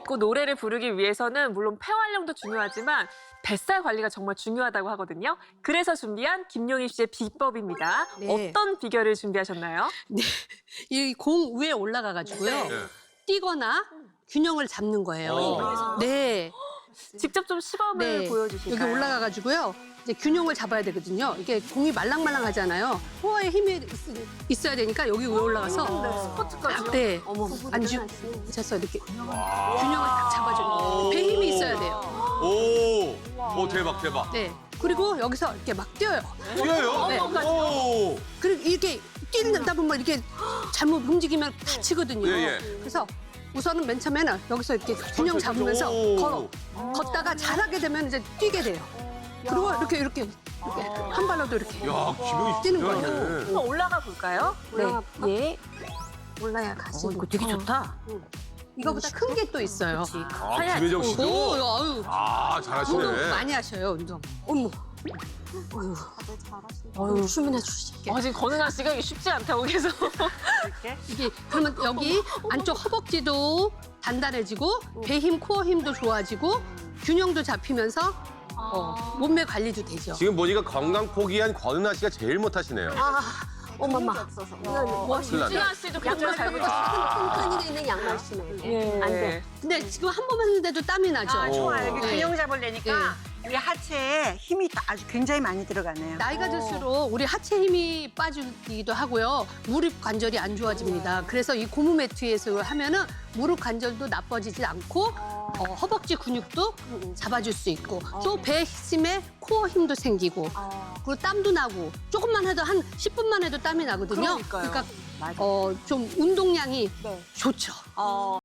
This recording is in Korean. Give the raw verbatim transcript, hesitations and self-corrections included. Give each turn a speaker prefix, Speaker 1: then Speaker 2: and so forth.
Speaker 1: 걷고 노래를 부르기 위해서는 물론 폐 활량도 중요하지만 뱃살 관리가 정말 중요하다고 하거든요. 그래서 준비한 김용희 씨의 비법입니다.
Speaker 2: 네.
Speaker 1: 어떤 비결을 준비하셨나요?
Speaker 2: 네, 이 공 위에 올라가가지고요.
Speaker 3: 네.
Speaker 2: 뛰거나 균형을 잡는 거예요.
Speaker 3: 어.
Speaker 2: 네,
Speaker 1: 직접 좀 시범을
Speaker 2: 네.
Speaker 1: 보여주실까요?
Speaker 2: 여기 올라가가지고요. 이제 균형을 잡아야 되겠거든요. 이게 공이 말랑말랑하잖아요. 코어에 힘이 있, 있어야 되니까 여기 위에 올라가서
Speaker 1: 스포츠까지요?
Speaker 2: 네, 안주 져서 이렇게 균형을 딱 잡아주는 거예요. 배 힘이 있어야 돼요.
Speaker 3: 오, 오 대박 대박.
Speaker 2: 네, 그리고 여기서 이렇게 막 뛰어요.
Speaker 3: 뛰어요?
Speaker 2: 네.
Speaker 3: 오.
Speaker 2: 그리고 이렇게 뛰다 보면 이렇게 잘못 움직이면 다치거든요.
Speaker 3: 예, 예.
Speaker 2: 그래서 우선은 맨 처음에는 여기서 이렇게 균형 잡으면서
Speaker 3: 오.
Speaker 2: 걸어. 걷다가 잘하게 되면 이제 뛰게 돼요. 그리고 이렇게 이렇게 이렇게 한 발로도 이렇게.
Speaker 3: 야, 기분이
Speaker 2: 뛰는
Speaker 3: 진짜
Speaker 2: 거예요.
Speaker 3: 좋네.
Speaker 1: 한번 올라가 볼까요?
Speaker 2: 네. 예. 올라야 가시고.
Speaker 4: 이거 되게 좋다.
Speaker 2: 이거보다 큰 게 또 있어요.
Speaker 3: 아, 김혜정
Speaker 2: 오,
Speaker 3: 씨도?
Speaker 2: 아유.
Speaker 3: 아,
Speaker 2: 운동
Speaker 3: 잘하시네.
Speaker 2: 많이 하셔요, 운동. 어머.
Speaker 4: 어유 춤이나 추시.
Speaker 1: 어, 지금 권은아 씨가 이게 쉽지 않다고 계속.
Speaker 2: 이게 그러면 여기 안쪽 허벅지도 단단해지고 배 힘, 코어 힘도 좋아지고 균형도 잡히면서 어, 몸매 관리도 되죠.
Speaker 3: 지금 보니까 건강 포기한 권은아 씨가 제일 못하시네요.
Speaker 4: 아, 어머마.
Speaker 2: 뭐 하시죠?
Speaker 3: 큰일 났네.
Speaker 1: 유진아 씨도 굉장히 잘
Speaker 4: 큰
Speaker 1: 보셨어요.
Speaker 4: 끈끈이 있는 양말 신어야 돼.
Speaker 1: 예.
Speaker 4: 안 돼.
Speaker 2: 근데 지금 한 번 했는데도 땀이 나죠.
Speaker 5: 아, 좋아요. 이게
Speaker 2: 네.
Speaker 5: 균형 잡으려니까 우리 하체에 힘이 다- 아주 굉장히 많이 들어가네요.
Speaker 2: 나이가 들수록 우리 하체 힘이 빠지기도 하고요. 무릎 관절이 안 좋아집니다. 그래서 이 고무 매트에서 하면은 무릎 관절도 나빠지지 않고 어, 허벅지 근육도 잡아줄 수 있고 또 배 힘에 코어 힘도 생기고 그리고 땀도 나고 조금만 해도 한 십 분만 해도 땀이 나거든요.
Speaker 1: 그러니까요.
Speaker 2: 그러니까 어, 좀 운동량이 좋죠.
Speaker 1: 어.